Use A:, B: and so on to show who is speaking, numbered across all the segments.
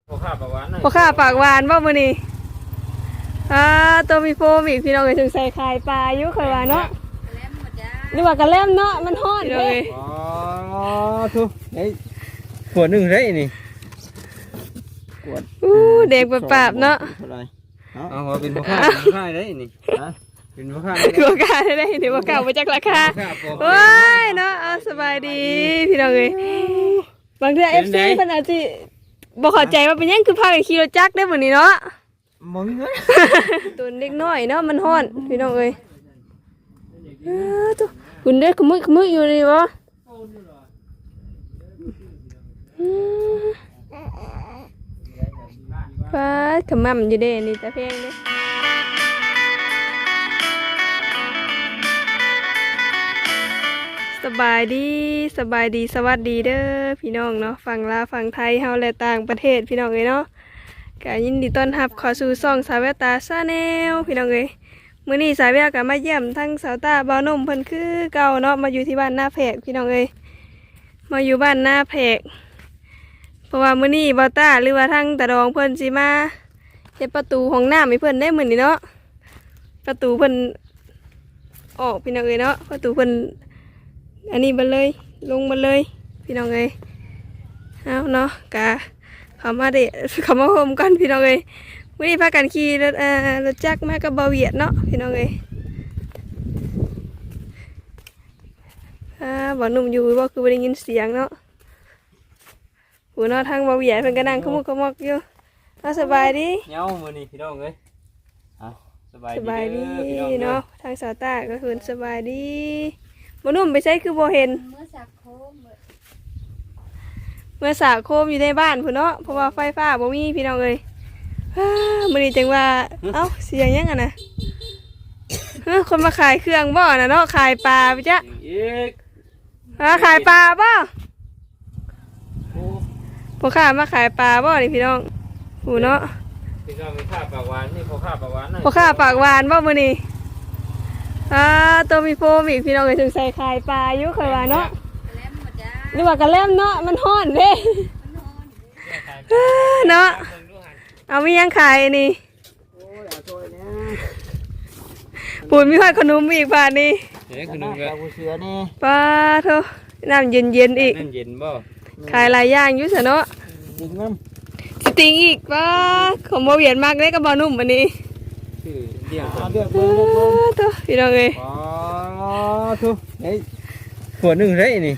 A: พ่อข้าปากหวาน
B: บ่มื้อนี้ตัวมีโฟมอีกพี่น้องเอ้ยถึงใส่ไข่ปลาอยู่ค่อยว่าเนาะหรือว่ากระแลมเนาะมันฮ้อนเด้
A: อ๋อทุไอ้ขวดหนึ่งได้นี่ขวด
B: เด็กปราบเนาะ
A: เอาเป็นพ่อข้าได้นี่เป็นพ่อข้า
B: ได้เดี๋ยวบ่กล้าบ่จักราคาโอ้ยเนาะสบายดีพี่น้องเอ้ยบางเทื่อ FC เพิ่นอาจสิบ่เข้าใจว่าเป็นหยังคือพากันขี่รถจักรได้มื้อนี้เนาะ
A: บ่มีเงิน
B: ตัวเล็กน้อยเนาะมันฮ้อนพี่น้องเอ้ยตัวคุณได้ขมึกอยู่นี่บ่ฟ้าขมั่มอยู่เด้นี่ตาเพลงเด้สบายดีสวัสดีเด้อพี่น้องเนาะฝั่งลาวฝั่งไทยเฮาและต่างประเทศพี่น้องเอ้ยเนาะก็ยินดีต้อนรับเข้าสู่ช่องสาวแววตาชาแนลพี่น้องเอ้ยมื้อนี้สาวแววก็มาเยี่ยมทั้งสาวตาบ่าวนมเพิ่นคือเก่าเนาะมาอยู่ที่บ้านหน้าแพรกพี่น้องเอ้ยมาอยู่บ้านหน้าแพรกเพราะว่ามื้อนี้บ่าวตาหรือว่าทั้งตาดองเพิ่นสิมาเฮ็ดประตูห้องน้ำให้เพิ่นได้มื้อนี้เนาะประตูเพิ่นออกพี่น้องเอ้ยเนาะประตูเพิ่นอันนี้มาเลยลงมาเลยพี่น้องเอ้ยเอาเนาะกะเขามาโฮมกันพี่น้องเอ้ยวันนี้พากันขี่รถจักรมากับเบาเหยียดเนาะพี่น้องเอ้ยบ่หนุ่มอยู่บ่คือบ่ได้ยินเสียงเนาะหูเนาะทางเบาเหยียดเพิ่นก็นั่งขมุกขมอกอยู่สบายดี
A: เงามื้อนี้พี่น้องเอ้ยสบายดี
B: เนาะทางสาวตาก็คือสบายดีบ่หนุ่มไปใช้คือบ่เห็นเมื่อสาโคมอยู่ในบ้านพุ่นเนาะเพราะว่าไฟฟ้าบ่มีพี่น้องเอ้ยมื้อนี้จังว่าเอ้าเสียงยังอ่ะนะคนมาขายเครื่องบ่น่ะเนาะขายปลาไปจ้ะขายปลาบ่พ่อค้ามาขายปลาบ่นี่พี่น้องหูเนาะ
A: พี่น้องมีข้าปากหวานนี่พ่อข้าปากหวาน
B: บ่มื้อนี้ตัวมีโฟมอีกพี่น้องเอ้ยถึงใส่ไข่ปลาอยู่ค่อยว่าเนาะหรือว่ากระแลมเนาะมันฮ้อนเด้เนาะเอามียังขายนี่ปูนมีขนมอีกบาทนี่
A: ขนมกับเสือนี่
B: ปลาเถอะน้ำเย็นอีก
A: น้ำเย็นบ่
B: ขายหลายอย่างอยู่ซะเนาะสติงอีกปลาของโมเวียนมากเลยกับบ่นุ่มวันนี้
A: เดี๋ยว
B: เถอะพี่น้องเอ้ย
A: ทุไอ้ขวดหนึ่งได้นี่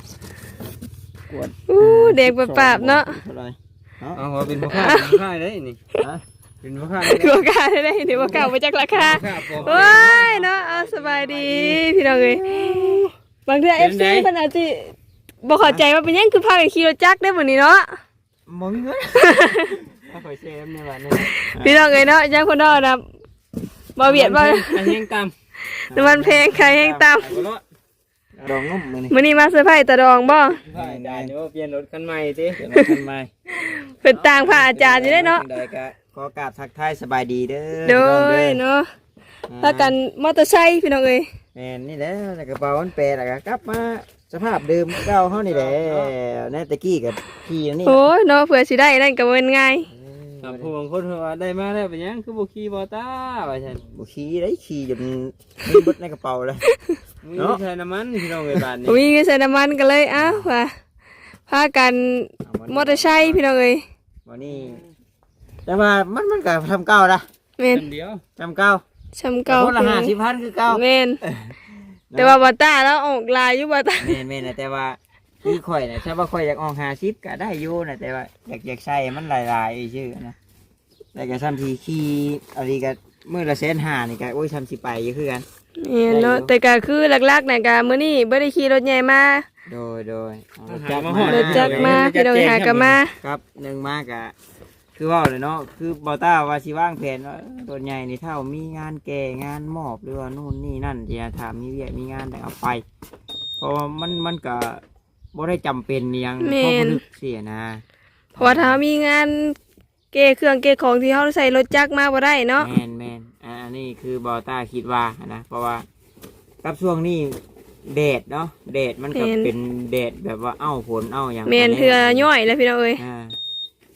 B: เด็กปราบเนาะ
A: เอาเป็นพ่อข้าได้นี่เป็นพ่อข้า
B: ได้เดี๋ยวบ่กล้าบ่จักราคาโอ้ยเนาะสบายดีพี่น้องเอ้ยบางเทื่อ FC เพิ่นอาจสิบ่เข้าใจว่าเป็นหยังคือพากันขี่รถจักรได้มื้อนี้เนาะ
A: บ่มีเงินค่อยเซฟในบ้านนี่
B: พี่น้องเอ้ยเนาะยังคนเนาะนะบ่เบียดบ่
A: แห้งตำ
B: น้ำมันแพงไข่แห้งตำ
A: ดองงุ่ม
B: มื้อนี้มาเซอร์ไพรส์ตาดองบ่
A: ได้เดี๋ยวเปลี่ยนรถคันใหม่ติเปลี่ยนรถคันใหม่
B: เป็นต่างพระอาจารย์อยู่ได้เนาะ
A: ขอกราบทักทายสบายดีเด้อ
B: โดยเนาะพากันมอเตอร์ไซค์พี่น้องเอ้ย
A: แม่นนี่แหละกระเป๋ามันแปรแล้วก็กลับมาสภาพเดิมเก่าเฮานี่แหละแน่ตะกี้กับขี่นี่
B: โอ้ยเนาะเผื่อสิได้นั่นก็บ่ง่าย
A: ผู้บางคนว่าได้มาแล้วเป็นหยังคือบ่ขี่บ่ตาว่าซั่นบ่ขี่ได้ขี่จนมีเบิดในกระเป๋าเลยเนาะใส่น้ำมันพี่น้องเอ้ยบ้านนี้
B: มีใส่น้ำมันก็เลยว่าพากันมอเตอร์ไซค์พี่น้องเอ้ย
A: วันนี้แต่ว่ามันก็ทำเก่าละ
B: แม่น
A: เดียวทำเก่าคนละ50,000คือเก่า
B: แม่นแต่ว่าบ่ตาแล้วออกลายอยู่บ่ตา
A: แม่นแต่ว่าคือข่อยน่ะถ้าว่าข่อยอยากออก50ก็ได้อยู่น่ะแต่ว่าอยากใส่มันหลายๆชื่อนะแต่ก็ซ้ำทีขี่อะไรก็มื้อละ150,000นี่ก็โอ้ยทำสิไปอยู่คือกัน
B: เนาะแต่ก็คือหลักๆน่ะก็มื้อนี้บ่ได้ขี่รถใหญ่มา
A: โดย
B: รถจักรมาพี่น้องหากันมา
A: ครับ1มาก็คือว่าเลยเนาะคือบ่าวต้าว่าสิวางแผนว่าตัวใหญ่นี่เท่ามีงานแก่งานมอบหรือว่านู่นนี่นั่นจะถามมีเวียมีงานได้เอาไปเพราะว่ามันก็บ่ได้จำเป็นอย่างเพราะลึกเสียนะ
B: เพราะว่าถ้ามีงานเก๋เครื่องเก๋ของที่เขาใส่รถจักรมาบ่ได้เนาะ
A: แม่นอันนี้คือบ่าวต้าคิดว่านะเพราะว่ากับช่วงนี้แดดเนาะแดดมันก็เป็นแดดแบบว่าฝนอย่าง
B: แม่นเถื่อย่อยแล้วพี่น้องเอ้ย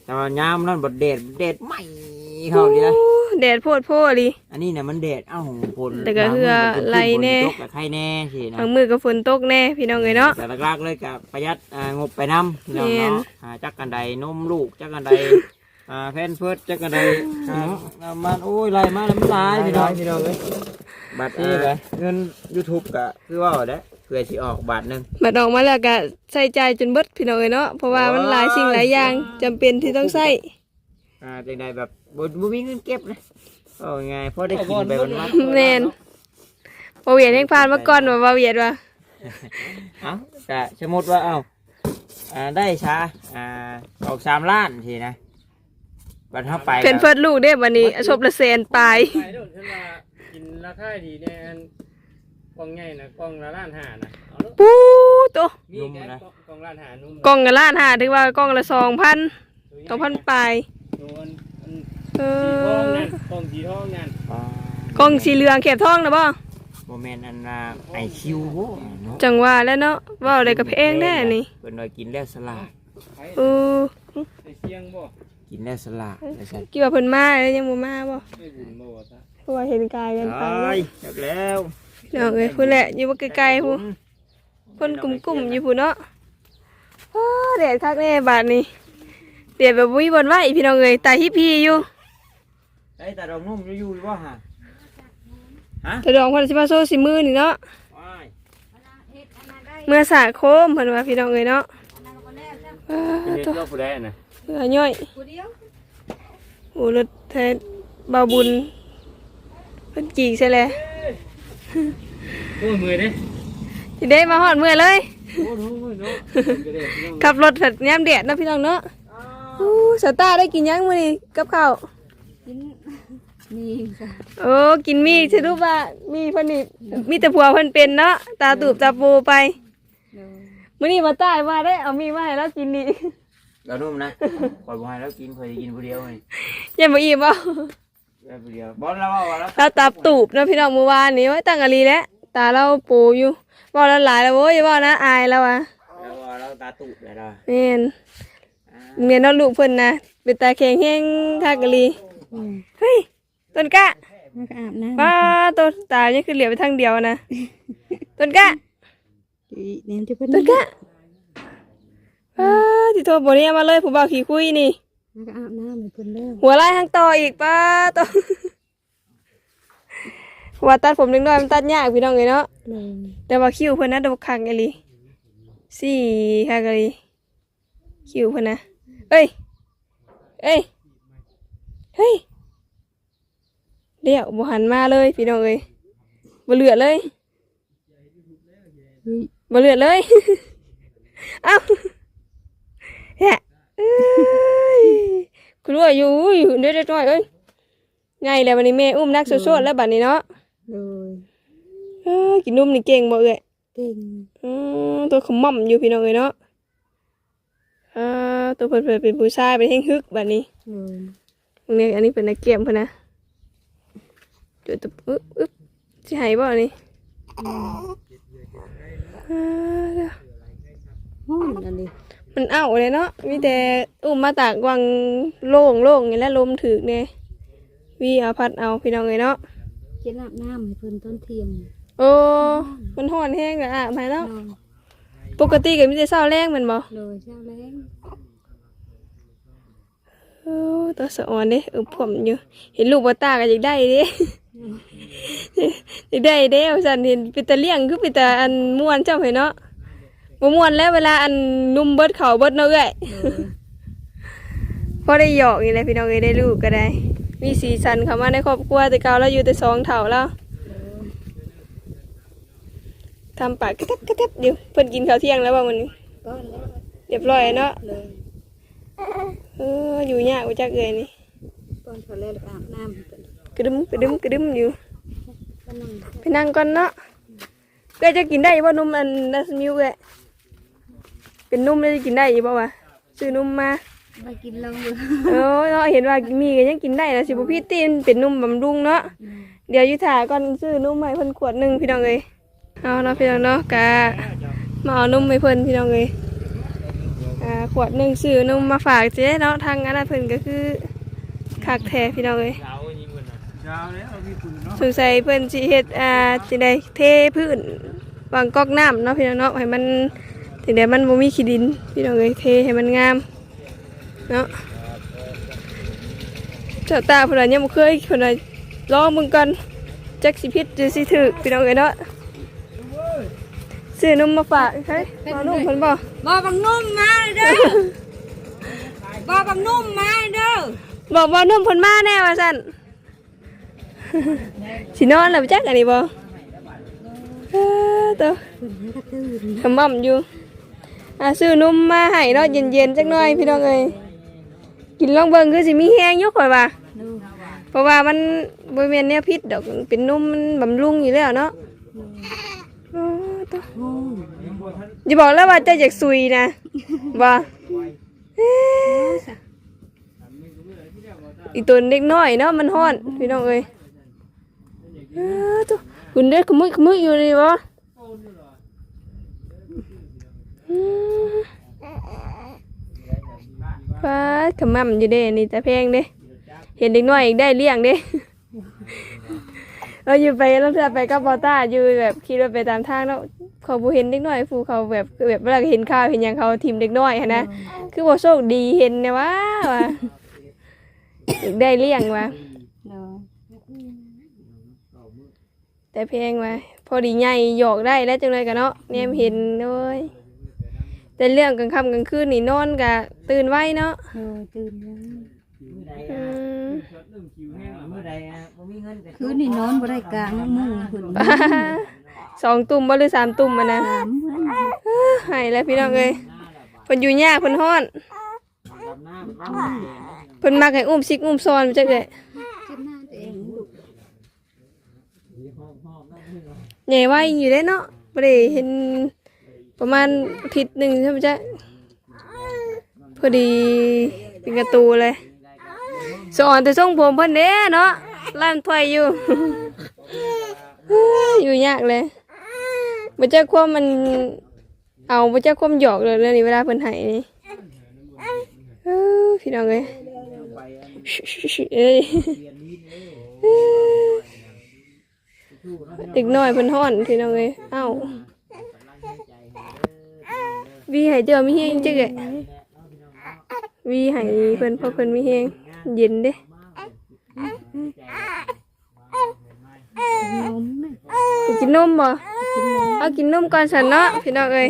A: แต่ว่ายามนั่นบดเด็ดไม่เขาดีนะ
B: แดดโพดโพดิ
A: อันนี้เนี่ยมันเด็ดฝน
B: แต่ก็คือไหลแน่
A: ตกกับใครแน่สินะ
B: บางมือก็ฝนตกแน่พี่น้องเอ้ยเนาะ
A: แต่หลักๆเลยกับประหยัดงบไปน้ำพี่น้อง
B: แม่น
A: เนาะจักกันใดนมลูกจักกันใดแพนเฟิร์สจักกันใดมันโอ้ยไรมาแล้วมันตายพี่น้องเลยบัตรเงิน YouTube ก็คือว่าเด้เพื่อสิออกบาทหนึง
B: บัดออกมาแล้วก็ใส่ใจายจนเบิดพี่น้องเอ้ยเนาะเพราะว่ามันหลายสิ่งหลายอย่างจำเป็นที่ต้องใช้
A: จังใดแบบบ่มีเงินเก็บนะเอาไงพอได้กินไปวัน
B: แม่นบ่เวียดแห่งผ่านมาก่อนว่าบ่เวียดว่า
A: เอ้าแต่สมมติว่าได้ช้าออก3 ล้านทีนะบัตรเข้าไป
B: เพิ่นเฟิดลูกเด้บัดนี้ศพละแสนปลาย
C: ขายโดนฉันว่ากินราคาดีแน่อันกล่องใหญ่นะกล่องละล้านห้านะเอาลูก
B: ปูโต
C: มีแค่กล่องล้านห้านุ่ม
B: กล่องละล้านห้าถึงว่ากล่องละ2,000 ปลาย
C: โดนอัน
B: เอ
C: สีทอง
B: อ
C: นั่นกล่องสีทองนั่น
B: กล่องสีเหลืองแคบทองนะบ่
A: โมเมนต์อันไอคิวเนาะ
B: จังว่าแล้วเนาะเว้าได้กับเพลงแน่นี่
A: เป็นหน่อยกินแล้วสลา
C: ไผ่
B: เออ
C: ไอ้เสียงบ่
A: กินแล้วสลาไม่ใช่
B: กี่ว่าเพิ่นมาแล้วยังบ่มาบ่
C: ไม่บุญบ่วะจ๊ะ
B: เพราะว่าเห็นกายกันไป
A: ตายจับแล้ว
B: เนาะเอ้ยพุ่นแหละอยู่บ่ไกลๆพุ่นคนกลุ่มๆอยู่พุ่นเนาะอ้อแดดคักแน่บาดนี้แดดแบบบ่มีบ่นไหวพี่น้องเอ้ยตาฮิพีอยู่
A: ไอ้แต่ดอกนุ่มอยู่ว่าฮะ
B: แต่ดอกเพิ่นสิมาโซสิมือนี่เนาะ
A: ว้าย
B: เมื่อสาโคมเพิ่นว่าพี่น้องเอ้ยเนาะอ้า
C: เป็นเด็ก
B: ตัว
C: รอบผู้ใดน่ะ
B: เหือย่อยโอ้รถแท้เบาบุญเพิ่นจีกใช่แล้ว
C: โอ้ยมือเด้
B: สิได้มาฮอดเมื่อเลย
C: โอ้โหเนาะก็ได้พี่น้อง
B: ขับรถถัดยามแดดเนาะพี่น้องเนาะอู้สตาร์ได้กินยังมื้อนี้กับข้าว
D: มีค่ะ
B: โอ้กินมีสรุปว่ามีเพิ่นนี่มีแต่ผัวเพิ่นเป็นเนาะตาตูบตาปูไป
D: โดย
B: มื้อนี้มาใต้มาได้เอามีมาให้เรากินนี่
A: ดอกนุ่มนะปล่อยบ่ให้แล้วกินเคยกินผู้เดียวไง
B: อย่ามาอิ่มเอา
A: ผู้เดียวบอลแล้วว่าแล้ว
B: เราตาตูบเนาะพี่น้องเมื่อวานนี้ไว้ตั้งอะลีแล้วตาเราปูอยู่ว่าแล้วหลายแล้วโว้ยอย่าว่านะอายแล้วอ่ะ
A: แล้วว่าเราตาตุเลยล่ะ
B: แม่นเมียน้องลูกเพิ่นนะเป็นตาแข็งแห้งคักอะลีเฮ้ยต้นกะ
D: แล้วก็อาบน้ำ
B: ป้าต้นตานี่คือเหลียวไปทางเดียวนะต้นกะ
D: เน้นที่เพิ่น
B: ต้นกะป้าที่โทรบ่เนี่ยมาเลยผู้บ่าวขี้คุยนี่
D: แล้วก็อาบน้ำให้เพิ่นเด้อ
B: หัวไล่ทางต่ออีกป้าต่อหัวตัดผมเล็กน้อยมันตัดยากพี่น้องเลยเนาะ
D: เลย
B: แต่ว่าคิ้วเพิ่นนะดอกคักอะลีสี่คักอะลีคิ้วเพิ่นนะเอ้ยเอ้ยเฮ้ยเดี๋ยวบ่หันมาเลยพี่น้องเอ้ยบ่เหลือเลย
D: เฮ้ย
B: บ่เหลือเลย เอ้าแฮะเอ้ยคุณว่าอยู่เดี๋ยวๆหน่อยเอ้ยไงแล้วบัดนี้แม่อุ้มนักโซๆแล้วบัดนี้เนาะ
D: เลย
B: กินนมนี่เก่งบ่เอ้ย
D: เก่ง
B: ตัวขม่อมอยู่พี่น้องเอ้ยเนาะตัวเพิ่นเป็นผู้ชายเป็นแห่งฮึกบัดนี้
D: เลย
B: ตรงนี้อันนี้เป็นนักเกมเพิ่นนะจุดตึ๊บอึ๊บสิให้บ่อันนี้
D: ห้องอันนี้
B: มันเอาเลยเนาะมีแต่อุ้มมาตากวังโล่งอย่างแล้วลมถึกเนี่ยวีเอาพัดเอาพี่น้องเอ้ยเนาะ
D: เจ็ดอาบน้ำให้เพิ่นต้นเที่ยง
B: โอ้มันฮ้อนแห้งแล้วอ่ะมาเนาะ
D: เลย
B: ปกติก็มีแต่เช้าแรงแม่นบ่
D: เลยเช้าแรง
B: โอ้ตัวสะอ่อนเด้ผมอยู่เห็นลูกบ่ตาก็อยากได้เด้ อยากได้เด้ว่าซั่นเห็นเป็นตาเลี้ยงคือเป็นตาอันม่วนเจ้าให้เนาะบ่ม่วนแล้วเวลาอันนุ่มเบิดเขาเบิดเนาะเอ้ย
D: เลย
B: พอได้หยอกนี่แหละพี่น้องเอ้ยได้ลูกก็ได้ มีสีสันเข้ามาในครอบครัวแต่เก่าแล้วอยู่แต่สองเถ่าแล้วทำปากกระแทบอยู่เพิ่นกินข้าวเที่ยงแล้วบ่มื้อนี้
D: ก็แล้ว
B: เรียบร้อยเนาะ
D: เลย
B: อยู่ยากบ่จักเอ้ยนี่
D: ก่อนเขาแล้วก็อาบน้ำให้เพิ่น
B: กระดึมอยู่
D: ก็นั่ง
B: ไปนั่งก่อนเนาะเอ้ยจะกินได้บ่นมอันดัสมิลค์เอ้ยเป็นนมได้กินได้อยู่บ่วะซื้อนมมา
D: ไปกินลงอยู่
B: เนาะเห็นว่ามีก็ยังกินได้นะสิบ่พี่ตีนเป็นนมบำรุงเนาะเดี๋ยวอยู่ถ่าก่อนซื้อนมให้เพิ่นขวดหนึงพี่น้องเอ้ยเอาเนาะพี่น้องเนาะกะมาเอานมให้เพิ่นพี่น้องเอ้ยขวดหนึ่งซื้อนมมาฝากเจ๊เนาะทางอันนั้นเพิ่นก็คือคักแท้พี่น้องเอ้ย
C: ยาวนี่มันน่ะ
A: ยาวแล้วพี่คุณเนาะ
B: สงสัยเพิ่นสิเฮ็ดสิได้เทพื้นวางก๊อกน้ำเนาะพี่น้องเนาะให้มันถึงได้มันบ่มีขี้ดินพี่น้องเอ้ยเทให้มันงามเนาะเจ้าตาเพิ่นว่ายังบ่เคยเพิ่นว่าลองมึงก่อนจักสิผิดหรือสิถูกพี่น้องเอ้ยเนาะซื้อนมมาฝากเฮ้ยเอานมเพิ่นบ่
D: บ่บังนุ่มมาเด้อบ่บังนุ่มมาเด้อ
B: บอกว่านมเพิ่นมาแน่ว่าซั่น สินอนแล้วจักอันนี้บ่ตัว
D: เพิ่นก็ตื่น
B: ขมำอยู่ซื้อนมมาให้เนาะเย็นๆจักหน่อยพี่น้องเอ้ยกินลองเบิ่งคือสิมีแฮงอยู่ข่อยว่า
D: ดู
B: เพราะว่ามันบ่แม่นแนวพิษดอกเป็นนมมันบำรุงอยู่แล้วเนาะตัว
D: โอ้
B: อย่าบอกแล้วว่าเจะอยากซุยนะบ่อีตัวเด็กน้อยเนาะมันฮ้อนพี่น้องเอ้ยตัวคุณเด็กขมุยอยู่นี่บ่ฟ้าขมำอยู่เด้นี่แต่แพงเด้เห็นเด็กน้อยอีกได้เลี้ยงเด้เราอยู่ไปแล้วเธอไปกับบอต้าอยู่แบบคิดว่าไปตามทางแล้วเขาบ่เห็นเด็กน้อยฟูเขาแบบเวลาเห็นข่าวเห็นหยังเขาทีมเด็กน้อยหั่นนะคือบ่โชคดีเห็นนะว่าอีกได้เลี้ยงว่ะ
D: ดู
B: แต่แพงว่ะพอดีใหญ่หยอกได้แล้วจังเลยกันเนาะแนมเห็นโดยแต่เรื่องกลางค่ำกลางคืนนี่นอนก็ตื่นไว้เนาะ
D: ดูตื่นแล้ว
B: อืม
A: เมื่อใดบ่มีเงินก็
D: คืนนี้นอนบ่ได้กลางมือเพิ่น
B: 2 ตุ่มบ่หรือ3 ตุ่มอะนะ
D: ถามเพิ่น
B: หายแล้วพี่น้องเอ้ยเพิ่นอยู่ยากเพิ่นฮ้อน
A: ดำน้ำน้ำ
B: เพิ่นมักให้อุ้มซิกอุ้มซอนจักเลย
D: คิดหน้าตัวเองลูก
B: ใหญ่ไว้อยู่ได้เนาะบ่ได้เห็นประมาณอาทิตย์หนึงใช่มั้ยจ๊ะพอดีเป็นกระตูเลยสอนแต่ทรงผมเพิ่นเด้เนาะลั่นถ้วยอยู่ อยู่ยากเลยบ่จักความมันเอาบ่จักความหยอกเลยเรื่องนี้เวลาเพิ่นให้นี่พี่น้องเอ้ยเอ้ยเด็กน้อยเพิ่นฮ้อนพี่น้องเอ้ยเอ้าวีให้เจ้ามีแฮงจักเอ้ยวีให้เพิ่นเพราะเพิ่นมีแฮงเย็นเด้
D: นมนะ
B: ไปกินนมบ่เอากินนมก่อนฉันเนาะพี่น้องเอ้ย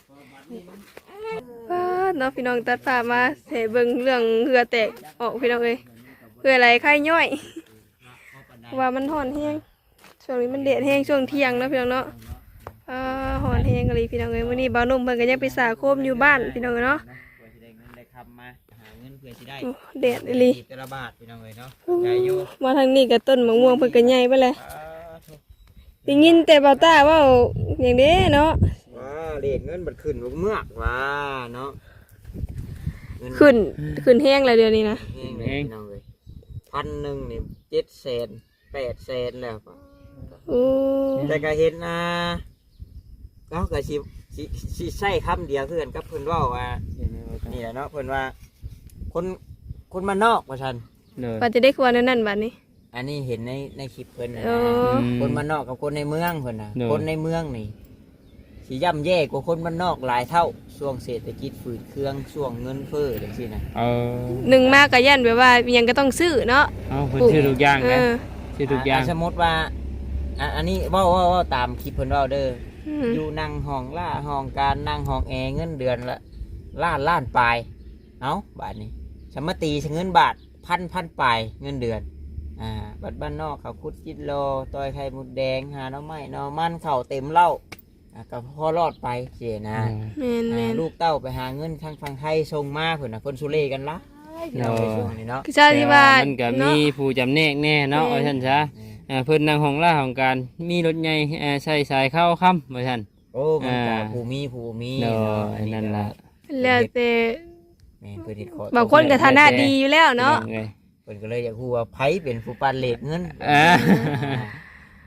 B: เนาะพี่น้องตัดภาพมาให้เบิ่งเรื่องเหือแตกออกพี่น้องเอ้ยเหือไหลไข้ย่อยเพราะว่ามันร้อนแฮงช่วงนี้มันแดดแฮงช่วงเที่ยงเนาะพี่น้องเนาะร้อนแฮงอะไรพี่น้องเอ้ยมื้อนี้บ่าวนุ่มเพิ่นก็ยังไปสาโคมอยู่บ้านพี่น้องเอ้ยเนาะ
A: เพื่อสิได้เงินได้คำมาหาเงินเพื่อสิได้
B: โอ้แดดอีหลี
A: แต่ละบาทพี่น้องเอ้ยเนาะใจอยู่
B: มาทางนี้ก็ต้นมะม่วงเพิ่นก็ใหญ่ไปเลยได้ยินแต่บ่าวตาเว้าอย่างเด้เนาะ
A: ว้าเรียกเงินบัดขึ้นบ่เมือกว้าเนาะเงิน
B: ขึ้นแห้งแล้วเดี๋ยวนี้นะ
A: แห้งเลยพี่น้องเอ้ย1,000นี่700,000 800,000แล้ว
B: โอ้
A: แต่ก็เห็นเราก็สิใช้คำเดียวคือกันกับเพิ่นเว้าว่านี่แหละเนาะเพิ่นว่าคนมานนอกว่าซั่น
C: เด้อ
B: ว่าจะได้ควรนั่นบัดนี้
A: อันนี้เห็นในคลิปเพิ่นน่ะ
B: โอ้
A: นะคนมานนอกกับคนในเมืองเพิ่นน่ะคนในเมืองนี่สิย่ำแย่กว่าคนมานนอกหลายเท่าช่วงเศรษฐกิจฝืดเครื่องช่วงเงินเฟ้อจังซี่นะ
B: หนึ่งมากกับยันแบบว่ายังก็ต้องซื้อเนาะ
C: เอาเพิ่นชื่อทุกอย่าง
B: เอ
C: นะ
B: อ
C: ชื่อทุกอย่าง
A: สมมติว่าอันนี้เว่าตามคลิปเพิ่นเว้าเด้อ
B: อื
A: อ
B: ม
A: อยู่นั่งห้องล่าห้องการนั่งห้องแอร์เงินเดือนละล้านปลายเอาบาทนี้สมตีเงินบาทพันปลายเงินเดือนบัดบ้านนอกเขาคุดจิตโลตอยไข่มุดแดงหาหน้ำไม้หน้ำมันเข่าเต็มเหล้าก็พอรอดไปเสียนะ
B: แม่นแม่น
A: ลูกเต้าไปหาเงินทางฝั่งไทยส่งมาเพิ่นน่ะคนสุเรกันละเราไปช่วงนี้เนาะ
B: คือชาติว่า
C: มันก็มี
B: เนาะ
C: ผู้จำแนกแน่เนาะว่าซั่นซะเพิ่นนั่งห้องล่าของการมีรถใหญ่ใช้สายเข้าค่ำว่าซั่น
A: โอ้มันก็ ผู้มี
C: เนาะ
A: อั
C: นั่นล่ะ
B: แล้วแต่
A: แม่นเพิ่นเฮ็ดขอ
B: บางคนก็ฐานะดีอยู่แล้วเนาะ
C: พี่องอ้ย
A: เพิ่นก็เลยอยากฮู้ว่าไผเป็นผู้ปันเลขเงิน
C: อ่า
A: ไผ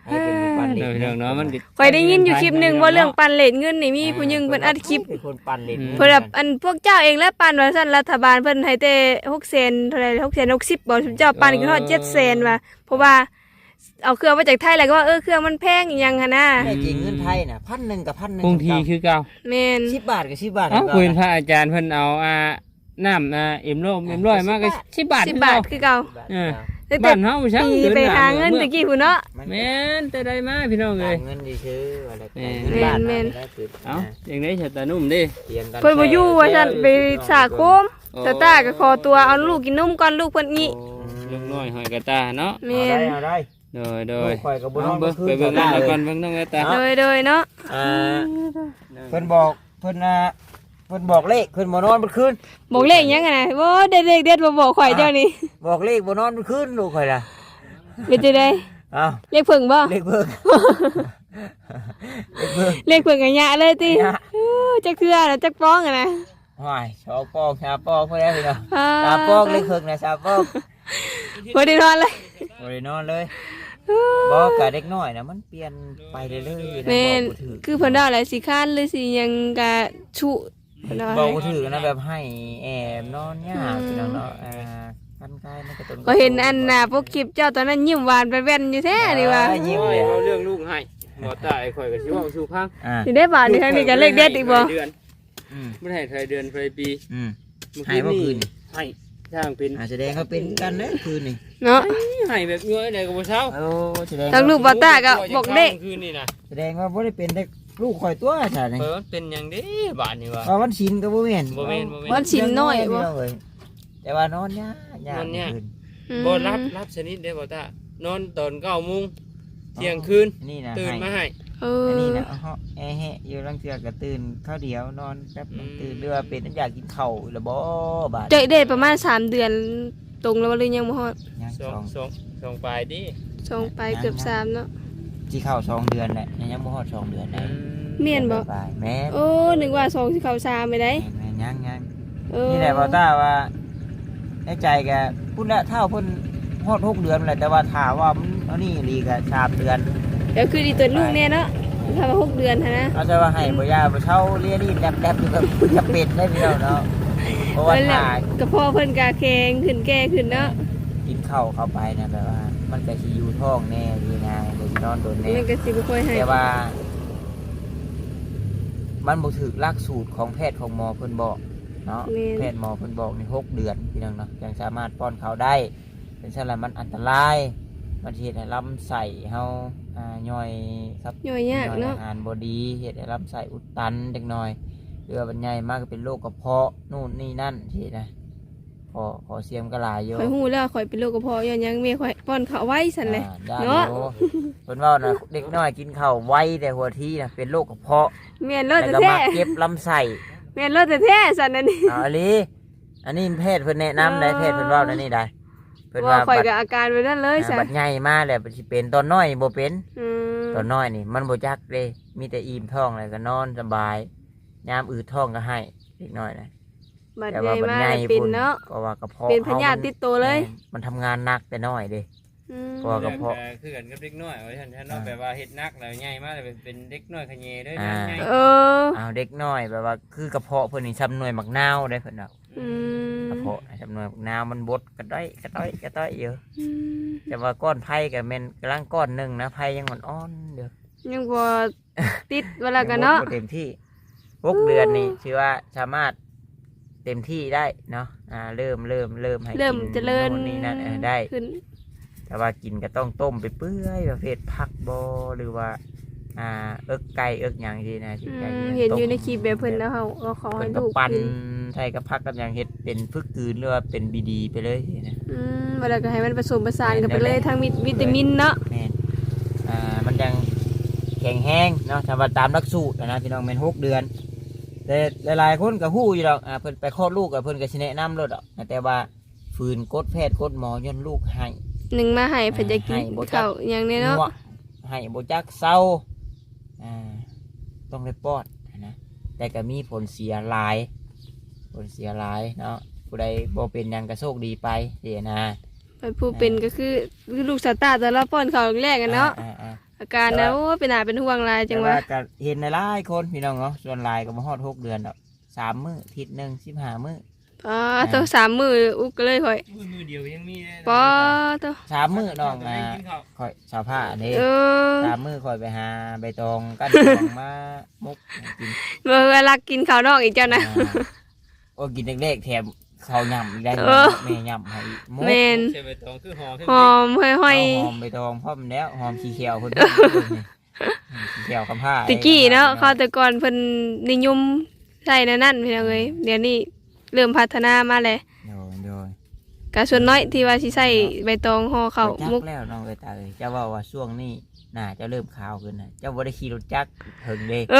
A: ให้เป็นปันเล
C: เดี๋ยวพี่น้องเนาะมันก็
B: ข่อยได้ยินอยู่คลิปหนึงว่าเรื่องปันเลทเงินนี่มีผู้หญิงเพิ่นอัดคลิป
A: เป็นคนปันเลน
B: เพิ่นแบบอันพวกเจ้าเองและปันว่าซั่นรัฐบาลเพิ่นให้แต่600,000เท่าไหร่660บ่ซุมเจ้าปันก็ฮอด700,000ว่ะเพราะว่าเอาเครื่องมาจากไทยแล้วก็ว่าเครื่องมันแพงอีหยังหั่นน่ะ
A: แต่จริงเงินไทยน่ะ1,000กับ1,000
C: คงทีคือเก่า
B: แม่น
A: 10 บาทกับ10 บาท
C: เอ้าคุยพระอาจารย์เพิ่นเอาน้ำเอ็มร้อยมากก็10 บาท
B: 10 บาทคือเก่า แต่
C: บ้านเฮาช่าง
B: ปีไปหาเงินตะกี้พุ่นเนาะ
C: แม่นแต่ได้มาพี่น้องเอ้ย
A: เงินดีซื้ออะไร
B: แม่น
C: เอ้าจังได๋ชะตานุ่มเด้
B: เพิ่นบ่อยู่ว่าซั่นไปสาโคมตาตาก็ขอตัวเอาลูกกินนมก่อนลูกเพิ่นงี้
C: ลูกน้อยหอยกระตาเนาะ
B: แม่น
A: เอาได้
C: โดย
A: ข่อยกับบ่น
C: เอา
A: อน
C: เบิ่งไปเบิ่งน้องก่อนเบิ่งน้องกระตา
B: โดยเนาะ
A: เพิ่นบอกเพิ่นบอกเลขเพิ่นบ่นอนเมื่อคืน
B: บอกเลขยังไงนะโอ้เด็ดๆมาบอกข่อยเจ้านี่
A: บอกเลขบ่นอนเมื่อคืนลูกข่อยล่ะ
B: เป็นจังได๋
A: อ้าว
B: เลขเพิ่งบ่
A: เลขเบิ่งเลขเบิ่ง
B: เลขเพิ่งกันยะเลยติ
A: ยะ
B: จักเทื่อน่ะจักป้องอะนะ
A: ห้อยชาวปองชาวปองเพิ่นได้พี่น้อง
B: อ่า
A: ชาวปองเลขเบิ่งนะชาวปอง
B: บ่ได้นอนเลย
A: บ่ได้นอนเลยบอกกับเด็กน้อยน่ะมันเปลี่ยนไปเรื่อยๆนะ
B: แม่น
A: บอกบ่ถูก
B: คือเพิ่นว่าอะไรสิค้านหรือสิหยังกะชุเพิ่นว่า
A: บอกบ่ถูกนะแบบให้แอบนอนยากพี่น้องเนาะคันกายมันก็ต้น
B: ก็เห็นอันน่ะพวกคลิปเจ้าตอนนั้นยิ้มหวานไปแว่นอยู่แท้นี่ว่า
A: ยิ้ม
C: โอ้
A: เลย ย
C: เอาเรื่องลูกให้บ่ตายข่อยก็สิเว้าสู่พัง
B: สิได้บาทนี่ครั้งนี้ก็เลขเด็ดอีกบ่
C: เดือน
A: อืม
C: บ่ได้ไทยเดือนไทยปี
A: อืม ให้บ่คืนนี่
C: ให้ช่างเป็น
A: แสดงเขาเป็นกันนะคืนนี่
B: เนาะ
C: ให้แบบเงยได้ก็บ่เช้า
A: โอ้แสดง
B: ทั้งลูกบ่ตาก็บอกเลข
C: คืนนี่นะ
A: แสดงว่าบ่ได้เป็นได้ลูกข่อยตัวซะนี่
C: เปิดเป็นหยังเด้บาดนี่ว่า
A: ว่าวันศีลก็บ่แม่น
C: บ่แม่นบ่แม่น
B: วันสินน้อยบ่
A: แต่ว่านอนยากยาก
C: นอนยาก
A: คืน
C: บ่รับชนิดได้บ่ตานอนตอน9:00 นเที่ยงคืน
A: นี่นะ
C: ตื่นมาให้
B: เอ
A: อัน
B: อ
A: นี้นะเฮาแอะแฮะอยู่ลังเทื่อก็ตื่นข้าวเดียวนอนแป๊บนึงตื่นเรือว่าเป็นอยากกินข้าวแล้วบ่บาด
B: เจ๊ได้ประมาณ3 เดือนตรงแล้วบ่หรือยังบ่ฮอด
A: ยัง
C: สอง
A: สอง
C: สองปลายดิ
B: ส่งไปเกือบ3เนาะ
A: สิเข้า2 เดือนแหละยังบ่ฮอด2 เดือนได้
B: เมียนบ่
A: ปลายแม่น
B: โอ้นึกว่า2สิเข้า3ไปได้
A: แม่นยัง
B: เออ
A: นี่แหละบ่ต้าว่าในใจแกพุ่นละเท่าเพิ่นฮอด6 เดือนแหละแต่ว่าถ้าว่ามันเอานี่อีหลีก็3 เดือน
B: เดี๋ยวคือดีตัวลูกแน่เนาะถ้าว่า6 เดือนหั่นนะ
A: เอาใจว่าให้บ่ยาบ่เช่าเรียนนี่แดบๆอยู่กับจะเป็นได้พี่น้องเนาะเพราะว่า
B: นั่นแหละ
A: ถ้า
B: กระเพาะเพิ่นกะแข็งขึ้นแก่ขึ้นเนาะ
A: กินข้าวเข้าไปนะแบบว่า มันก็สิอยู่ท้องแน่ดีนะเดี๋ยวสินอนโดนแน่
B: มันก็สิบ่ค่อยให้
A: แต่ว่า มันบ่ถูกหลักสูตรของแพทย์ของหมอเพิ่นบอกเนาะแพทย์หมอเพิ่นบอกใน6 เดือนพี่น้องเนาะยังสามารถป้อนข้าวได้เป็นซั่นล่ะมันอันตรายมันสิเฮ็ดให้ลำไส้เฮาย่อยครับ
B: ย่อยยากเนาะ
A: อาหารบ่ดีเฮ็ดให้ลำไส้อุดตันจักหน่อยหรือว่ามันใหญ่มากก็เป็นโรคกระเพาะนู่นนี่นั่นสินะขอเสียมก็หลายอยู่
B: ข่อยฮู้แล้วข่อยเป็นโรคกระเพาะย้อนหยังแม่ข่อยป้อนข้าวไว้ซั่นแหละ
A: ได้
B: เนาะ
A: อยู่เพิ่นว่านะเด็กน้อยกินข้าวไวแต่หัวทีนะเป็นโรคกระเพาะ
B: แม่นร
A: แล้ว
B: ถ
A: ก็
B: แท้
A: มาเก็บลำไส้
B: แม่นรถแท้ซั่นนั่นนี่
A: อันนี้แพทย์เพิ่นแนะนำได้แพทย์เพิ่นเว้านั่นนี่ได้เพิ่น
B: ว่า
A: ว่า
B: ข่อย
A: บัด
B: ก็อาการไว้นั่นเลยซะ
A: บัดใหญ่มาแล้วสิเป็นตอนน้อยบ่เป็น
B: อืม
A: ตอนน้อยนี่มันบ่จักเด้มีแต่อิ่มท้องแล้วก็นอนสบายยามอืดท้องก็ให้เด็กน้อยนะ
B: บัด
A: แต่
B: ให
A: ว่า
B: ญ่
A: บัด
B: มา
A: ใหญ่
B: แล้วเป็น
A: พุ่น
B: เนาะ
A: ก็ว่ากระเพาะ
B: เป็นพยาธิติดตัวเลย
A: มันทำงานหนักแต่น้อยเด้
B: อืม
A: เพราะว่ากระเพาะ
C: คือกันกับเด็กน้อยว่าฉันเนาะแบบว่าเฮ็ดนักแล้วใหญ่มาแล้วเป็นเด็กน้อยขะเยเด้อนะใหญ่
B: เออ
A: อ้าวเด็กน้อยแบบว่าคือกระเพาะเพิ่นนี่ซ้ำหน่วยมักนาวได้เพิ่นเนาะ
B: อืม
A: กระเพาะซ้ำหน่วยมักนาวมันบดกระต้อยเยอะ
B: อืม
A: แต่ว่าก้อนไผ่ก็แม่นกำลังก้อนหนึงนะไผ่ยังอ่อนๆเด้อ
B: ยังบ่ติดเวลากันเนาะ
A: ยังบ่เต็มที่6 เดือนนี่ถือว่าสามารถเต็มที่ได้เนาะเริ่มให้
B: เริ่ม
A: กิน
B: เจริญ
A: โน่นนี่นั่นได้
B: ขึ้น
A: แต่ว่ากินก็ต้องต้มไปเปื่อยประเภทผักบอหรือว่าเอิกไก่เอิกหยังที่นะที่ไก่ที่
B: เห็นอยู่ใน
A: ต้ม
B: คลิปแบบเพิ่นแล้วเขาก็ขอ
A: เพิ่
B: ให้
A: นก็
B: ลูก
A: ปั่น
B: กิน
A: ใส่กับผักกับหยังเฮ็ดเป็นพึกกืนหรือว่าเป็นบีดีไปเลยนะ
B: เวลาก็ให้มันผสมผสานกันไปเลย
A: แม่น
B: ทั้งวิตามินเนาะ
A: แม่นมันยังแข็งแห้งเนาะถ้าว่าตามหลักสูตรนะพี่น้องแม่น6 เดือน แต่หลายๆคนก็ฮู้อยู่ดอกเพิ่นไปคลอดลูกกับเพิ่นก็สิแนะนำรถดอกแต่ว่าฝืนกดแพทย์กดหมอย้อนลูกให้
B: หนึ่งมาให้เพิ่นจะกิน
A: ให้บ่จัก
B: ข้าวอย่างนี้เนาะ
A: ง่วงให้บ่จักเศร้าต้องได้ป้อนนะแต่ก็มีผลเสียหลายเนาะผู้ใดบ่เป็นหยังก็โชคดีไปเสียนะ
B: ไปผู้เป็นก็คือลูกสาวตาแต่ละป้อนข้าวแรกกันเนาะอาการนะโอ้เป็นหาเป็นห่วงหลายจั
A: แต่
B: ง
A: ว่า
B: ว่า
A: ก็เห็นในหลายคนพี่น้องเนาะส่วนหลายก็บ่ฮอด6 เดือนดอก3 มื้ออาทิตย์หนึง15 มื้อ
B: อ๋อต้อง3 มื้ออุกก็เลยข่อย
C: มือเดียวยังมีเลย
B: ปอต้อง
A: 3 มื้อน้องข่อยชาวผ้านี่
B: เออ
A: 3 มื้อข่อยไปหาใบตองกั้นตองมามุกกิน
B: เวลากินข้าวนอกอีกเจ้านะ
A: โอ้กินเล็กๆแถมข้าวย่ำอีกได้
B: เออ
A: แม่ย่ำให้มุก
B: แม่น
C: ใช่ใบตองคือหอม
B: หอมห้อย
A: เอาหอมใบตองพร้อมแล้วหอมขี้เขียวเพิ่นขี้เขียวคำผ้า
B: ๆตะกี้เนาะเขาแต่ก่อนเพิ่นนิยมใส่นั่นพี่น้องเอ้ยเดี๋ยวนี้เริ่มพัฒนามาแล้ว
A: โดย
B: ก็ส่วนน้อยที่ว่าสิใส่ใบตองห่อข้าว
A: จั
B: มุก
A: แล้วน้องเอ้ยตาเอ้ยเจ้าว่าช่วงนี้น่าจะเริ่มขาวขึ้นนะเจ้าบ่ได้ขี่รถจักรถึงเด้
B: เอ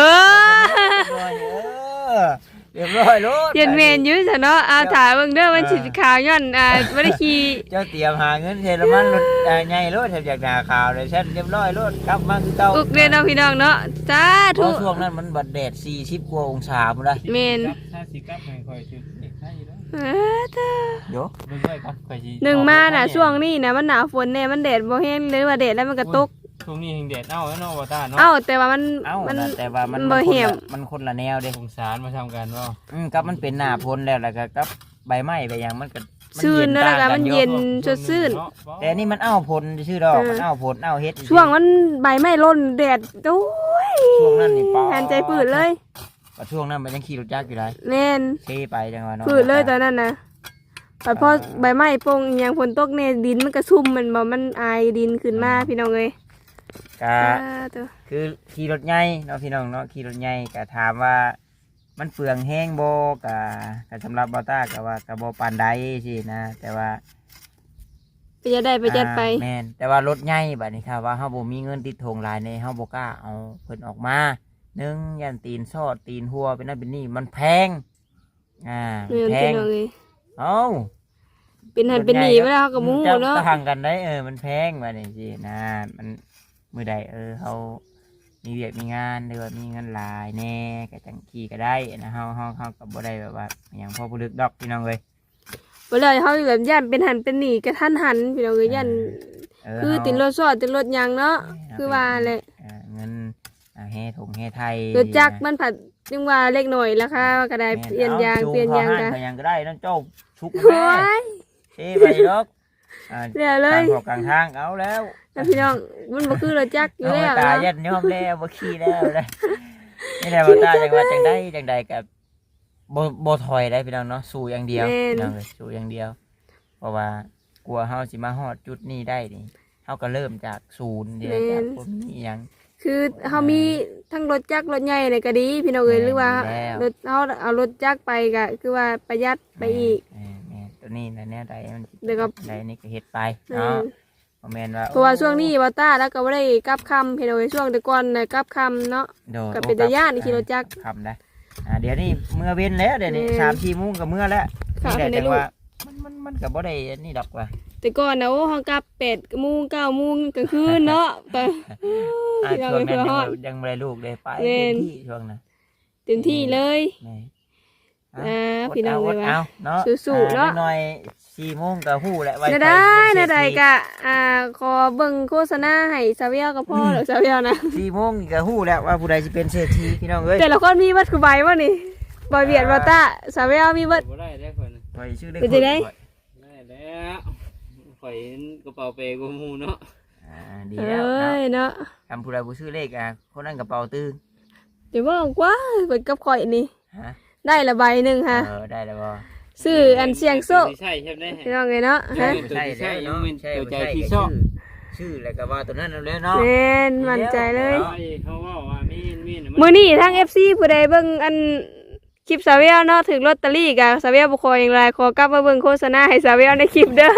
B: อ
A: เรียบร้อยรถ
B: เย็นเมนอยู่ซะเนาะเอาถ่ายเบิ่งเด้อมันสิขาวย้อนบ่ได้ขี่
A: เจ้าเตรียมหาเงินเทละมันรถใหญ่รถแถมจากหน้าขาวเลยเช่นเรียบร้อยรถกลับมาคือเก่า
B: อุกเด้อเนาะพี่น้องเนาะสา
A: เพ
B: ธุ
A: ราะช่วงนั้นมันบัดแดด40 กว่าองศาพุ่นละ
B: แม่น
C: ถ้าสิกลับให้ข่อยถึงเด็กให้แล้ว
B: เออเด้อ
A: เดี๋ยว
C: เบิ่งด้วยครับข่อยสิ
B: หนึ่งมาน่ะช่วงนี้น่ะมันหนาวฝนแน่มันแดดบ่แห้งเลยว่าแดดแล้วมันก็ตก
C: ช่วงนี้แห่งแดดเอาแล้วเนาะบ่ตาเนาะ
B: เอ้าแต่ว่ามัน
A: เอ้า
B: มัน
A: น่ะแต่ว่ามัน
B: บ่
A: คน
B: เหี่ย
A: ละ
B: ม
A: มันคนละแนวเด้
C: สงสารมาทำกันบ่
A: กับมันเป็นหน้าพ้นแล้วก็กับใบไม้ใบหยังมันก็มัน
B: ซื่นเนาะแล้วก็มันเย็นสดชื่น
A: แต่นี่มันอ้าวผลชื่อดอก
B: เออ
A: มันอ้าวผลอ้าวเฮ็ด
B: ช่วงมันใบไม้ร่นแดดโอ้ย
A: ช่วงนั้นนี่ปอ
B: แทนใจปืดเลย
A: ว่าช่วงนั้นมันยังขี่รถจักรอยู่เลย
B: แม่น
A: เทไปจังหวะเนาะ
B: ปืดเลยตอนนั้นนะแต่พอใบไม้โป่งอหยังฝนตกเนี่ยดินมันกระชุ่มมันบ่มันอายดินขึ้นมาพี่น้องเอ้ย
A: ก็
B: ตัว
A: คือขี่รถใหญ่เนาะพี่น้องเนาะขี่รถใหญ่ก็ถามว่ามันเปลืองแห้งบ่ก็สำหรับบอต้าก็ว่าก็บ่ปานใดสินะ แต่ว่า
B: ไปจะได้ไปจัดไป
A: แม่นแต่ว่ารถใหญ่บัดนี้ค่ะว่าเฮาบ่มีเงินติดธงหลายในเฮาบ่กล้าเอาเพิ่นออกมาหนึ่งยันตีนซอดตีนหัวเป็นนั่นเป็นนี่มันแพง
B: เมือน
A: แพ
B: พี่
A: ง
B: น้องเอ้ย
A: เอ้า
B: เป็นหันเป็นหนีไม่ได้เขากับมู
A: จะ
B: เนาะ
A: ต่างกันได้มันแพงบัดนี้สินะมันมื้อใดเฮามีเวียกมีงานหรือว่ามีเงินหลายแน่ก็จังขี่ก็ได้นะเฮาก็บ่ได้แบบว่าอหย่างพอผู้ลึกดอกพี่น้องเอ้ย
B: เวลาเขาแบบย่านเป็นหันเป็นหนีกระทันหันพี่น้องเอ้ยย่านคือติดรถซอดติดรถยางเนาะคือว่าแหละ
A: เงินเฮถงเฮไทย
B: รถจักรมันผัดจึงว่าเล็กหน่อยราคาก็ได้เปลี่ยนยางเปลี่ยนยาง
A: กั
B: กัน
A: นยังก็ได้น้องเจ้าชุก
B: โอ้ย
A: เช่ไปดอก
B: เดี๋ยวเลย
A: ทางกลางทางเอาแล้ว
B: แล้วพี่น้องมันบ่คือรถจักรอยู่
A: เอา
B: แล้ว
A: ตา
B: เนาะ
A: ยัดยอมแล้วบ่ขี้แล้วเลยนี่แหละว่าตาจังว่าจังใดกับบ่ถอยได้พี่น้องเนาะสู้อย่างเดียวพี่น้องเลยสู้อย่างเดียว เพราะว่ากลัวเฮาสิมาฮอดจุดนี้ได้นี่เฮาก็เริ่มจากศูนย์เดียวจากบ่มีหยัง
B: คือเขามีทั้งรถจักรรถใหญ่เลยก็ดีพี่น้องเอ้ยหรือว่ารถเขาเอารถจักรไปก็คือว่าประหยัดไปอีก
A: ตัวนี้นะเนี่ยใดมัน
B: เดี๋ยวก็
A: ใดนี่ก็เฮ็ดไปเนาะบ่แม่นว่า
B: เพราะว่าช่วงนี้ว่าต้าแล้วก็บ่ได้กลับคำพี่น้องเอ้ยช่วงแต่ก่อนน่ะกลับคำเนาะ ก็เป็นตาย้านขี่รถจักร
A: คำได้เดี๋ยวนี้เมื่อเว้นแล้วเดี๋ยวนี้ 3-4 โมงก็เมื่อแล้ว
B: ค่ะ
A: นี่แหละ
B: เพิ่นได้
A: จัง
B: ลูก
A: ว่ามันก็บ่ได้อันนี้ดอกว่า
B: แต่ก่อนนะโอ้เฮากลับ8 โมง 9 โมงกลางคืนเนาะแต่พี่น้อง
A: ช่ว
B: เอ้
A: ง
B: ย
A: นั้น
B: เพื่อฮอด
A: ยังบ่ได้ลูกเลยไป
B: เว้
A: เต็
B: น
A: มที่ช่วงนั้น
B: เต็มที่เลย
A: นี่
B: พี่น้อง
A: อ
B: เอ้
A: ด
B: ย
A: เอา
B: ว่า
A: เนาะ
B: สู้ๆเนาะ
A: หน่อย4 โมงก็ฮู้แหละไว้
B: น่า
A: ไป
B: ได้
A: เรีย
B: น่าน ได้
A: เศรษฐี
B: กะขอเบิ่งโฆษณาให้ซาเวียกับพ่อหรือซาเวียนะ
A: 4 โมงนี่ก็ฮู้แล้วว่าผู้ใดสิเป็นเศรษฐีพี่น้องเอ้ย
B: แต่ละคนมีวัดคือใบวะนี่บอยเบียดบอต้าซาเวียมีวัด
C: บ่ได้ได้คน
A: ข่อยชื่อได้
B: เป็นจังได๋
C: ได้แล้วข่อยเห็นกระเป๋าเปกูมูเนาะ
A: ดี
B: เอ
A: แล้ว
B: ้ยเนาะ
A: คำผู้ใดผู้ชื่อเลขคนนั้นกระเป๋าตื้อ
B: เดี๋ยวบอกว่าเปิดกับข่อยนี่
A: ฮะ
B: ได้ละใบหนึ่งค่ะ
A: ได้แล้วบ่
B: ซื้ออันเสียงโซ่
C: ใช่ใช่ไหม
B: พี่น้องเลยเนาะฮะ
A: ใช่แล้วเนาะใช่
C: ตัวใจ
A: ใช่
C: ที่ชอบ
A: ชื่อแล้วก็ว่าตัวนั้นเอาแล้วเนาะ
B: แม่นมั่นใจเลย
C: เขาว่ามี
B: มื้อนี้ทั้ง FC ผู้ใดเบิ่งอันคลิปซาเวียเนาะถึงลอตเตอรี่กะซาเวียบ่ขออย่างไรขอกลับมาเบิ่งโฆษณาให้ซาเวียในคลิปเด้อ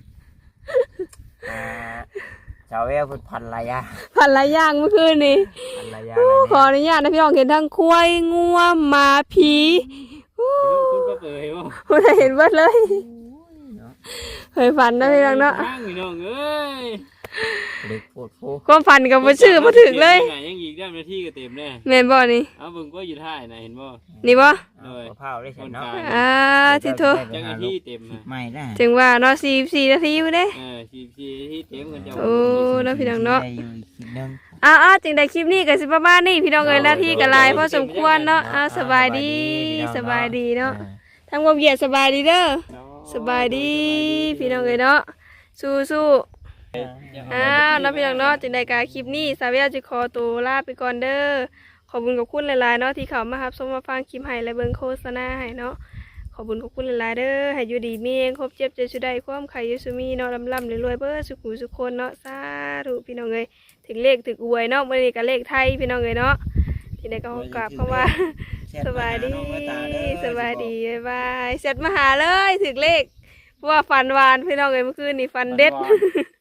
A: ชาวเวลพูดพันระยะ
B: พันหลายอย่างเมื่อคืนนี้
A: พันระยะ
B: ขออนุญาตนะพี่น้องเห็นทั้งควายงัวหมาผีอู้
C: คุณก็เปิดว่า
B: ผู้ใดเห็นเบิดเลยเคยฝันนะพี่น้องเนาะ
C: พี่น้องเอ้ย
A: เด็กพูดฟู
B: ความฝันกับบ่ชื่อบ่ถึกเลย
C: ยังอีกได้นาทีก็เต็มแน่
B: แม่นบ่นี่
C: เอาเบิ่งก็อยู่ท่ายนะเห็นบ่
B: นี่บ่
A: เผาได้เสร็จเนาะ
B: อ่าที่โท
C: จังนาทีเต็มนะ
A: ไม่ได้
B: ถึงว่าเนาะ44นาทีอยู่เด้
C: 44ที่เต็มกันจะ
B: โอ้เนาะพี่น้องเนาะ
A: อยู่อีกคลิปนึง
B: อ้าวจึงได้คลิปนี้ก็สิประมาณนี้พี่น้องเอ้ยหน้าที่ก็หลายพอสมควรเนาะอ้าวสบายดีสบายดีเนาะทำความเยียดสบายดีเด้อสบายดีพี่น้องเอ้ยเนาะสู้ๆอ้าวเนาะพี่น้องเนาะจึงได้การคลิปนี้สาวเวียจะขอตัวลาไปก่อนเด้อขอบคุณกับคุณหลายๆเนาะที่เข้ามารับชมมาฟังคลิปให้และเบิ่งโฆษณาให้เนาะขอบคุณกับคุณหลายๆเด้อให้อยู่ดีมีเองครบเจ็บเจอชุดใดความไข่ยูซูมีเนาะลำๆรวยๆเบ้อสุขุสุขคนเนาะสาธุพี่น้องเอ้ยถึงเลขถึงอวยเนาะมื้อนี้ก็เลขไทยพี่น้องเอ้ยเนาะที่ได้ก็ขอกราบคำว่าสบายดีสบายดีบ๊ายบายเสร็จมาหาเลยถึงเลขเพราะว่าฟันหวานพี่น้องเอ้ยเมื่อคืนนี่ฟันเด็ด